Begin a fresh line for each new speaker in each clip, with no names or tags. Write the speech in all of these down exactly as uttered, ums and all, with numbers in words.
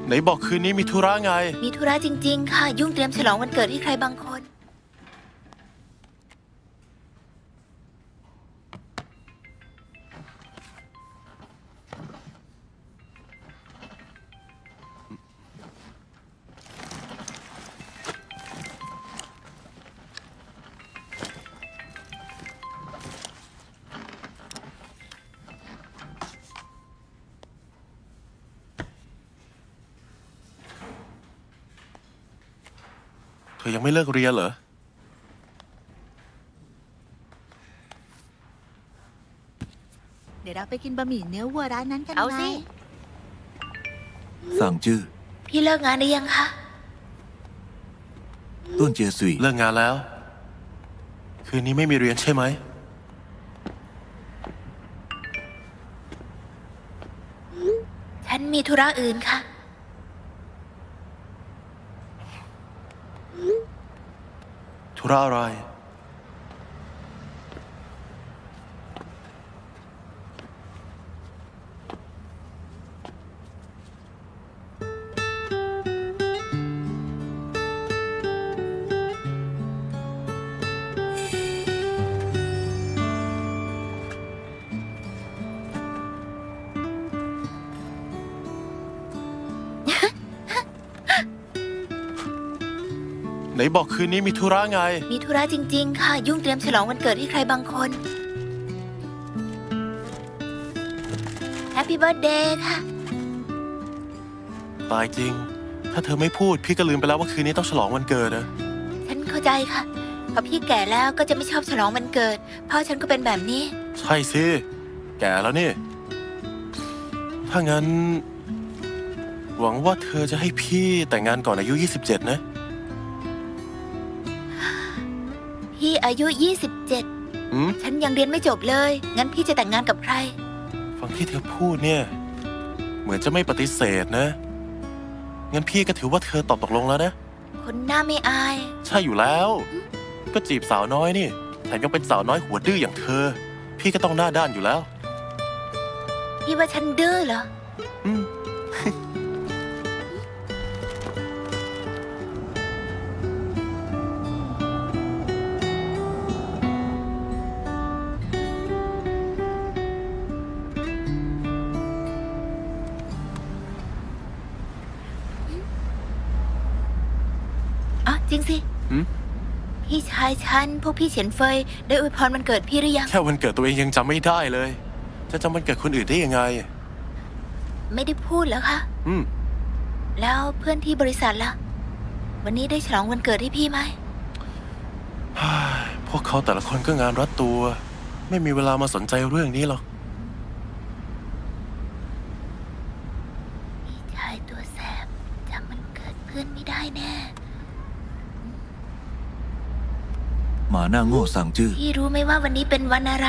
ไหนบอกคืนนี้มีธุระไง
มีธุระจริงๆค่ะยุ่งเตรียมฉลองวันเกิดให้ใครบางคน
เธอยังไม่เลิกเรียนเหรอ
เดี๋ยวเราไปกินบะหมี่เนื้อวัวร้านนั้นกันไหม
เอาสิ
สั่งจื้อ
พี่เลิกงานได้ยังคะ
ต้นเจียซุย
เลิกงานแล้ว คืนนี้ไม่มีเรียนใช่ไหม
ฉันมีธุระอื่นค่ะ
ธุระอะไรไหนบอกคืนนี้มีธุระไง
มีธุระจริงๆค่ะยุ่งเตรียมฉลองวันเกิดให้ใครบางคนแฮปปี้เบิร์ธเดย์ค่ะ
ตายจริงถ้าเธอไม่พูดพี่ก็ลืมไปแล้วว่าคืนนี้ต้องฉลองวันเกิดนะ
ฉันเข้าใจค่ะพอพี่แก่แล้วก็จะไม่ชอบฉลองวันเกิดพ่อฉันก็เป็นแบบนี้
ใช่สิแก่แล้วนี่ถ้างั้นหวังว่าเธอจะให้พี่แต่งงานก่อนอายุยี่สิบเจ็ดนะ
พี่อายุยี่สิบเจ็ด
อืม
ฉันยังเรียนไม่จบเลยงั้นพี่จะแต่งงานกับใคร
ฟังที่เธอพูดเนี่ยเหมือนจะไม่ปฏิเสธนะงั้นพี่ก็ถือว่าเธอตอบตกลงแล้วนะ
คนหน้าไม่อาย
ใช่อยู่แล้วก็จีบสาวน้อยนี่แถมยังเป็นสาวน้อยหัวดื้ออย่างเธอพี่ก็ต้องหน้าด้านอยู่แล้ว
พี่ว่าฉันดื้อเหรอ
อืม
อ๋อจริงสิพี่ชายฉันพวกพี่เฉียนเฟยได้อวยพรวันเกิดพี่หรือยัง
แค่วันเกิดตัวเองยังจำไม่ได้เลยจะจำวันเกิดคนอื่นได้ยังไง
ไม่ได้พูดแล้วค่ะ
อืม
แล้วเพื่อนที่บริษัทล่ะวันนี้ได้ฉลองวันเกิดให้พี่ไหม
พวกเขาแต่ละคนก็งานรัดตัวไม่มีเวลามาสนใจเรื่องนี้หรอก
พี่ชายตัวแสบจำวันเกิดเพื่อนไม่ได้แน่
หมาหน้าโง่สั่งจื้อ
พี่รู้ไหมว่าวันนี้เป็นวันอะไร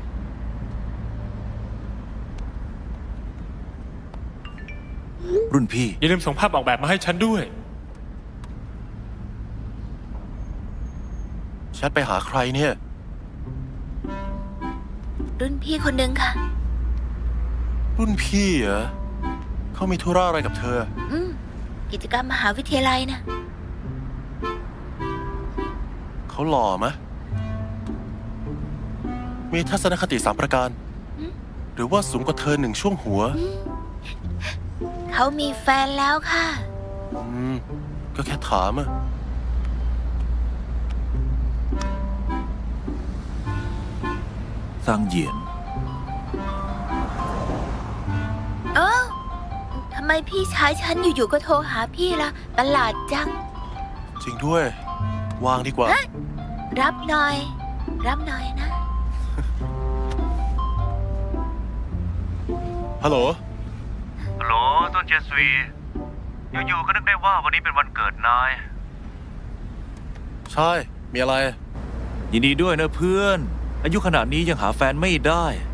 รุ่นพี่
อย่าลืมส่งภาพออกแบบมาให้ฉันด้วย
แชทไปหาใครเนี่ย
รุ่นพี่คนหนึ่งค่ะ
รุ่นพี่เหรอเขามีธุระอะไรกับเธอ
อืมกิจกรรมมหาวิทยาลัยนะ
เขาหล่อมะมีทัศนคติสามประการหรือว่าสูงกว่าเธอหนึ่งช่วงหัว
เขามีแฟนแล้วค่ะ
อืมก็แค่ถามอะ
สั่งเหยียน
เอ้าทำไมพี่ชายฉันอยู่ๆก็โทรหาพี่ล่ะประหลาดจัง
จริงด้วยวางดีกว่า
รับหน่อยรับหน่อยนะ
ฮัลโหล
ฮัลโหลต้นเจสวีอยู่ๆก็นึกได้ว่าวันนี้เป็นวันเกิดนาย
ใช่มีอะไร
ยินดีด้วยนะเพื่อนอายุขนาดนี้ยังหาแฟนไม่ได้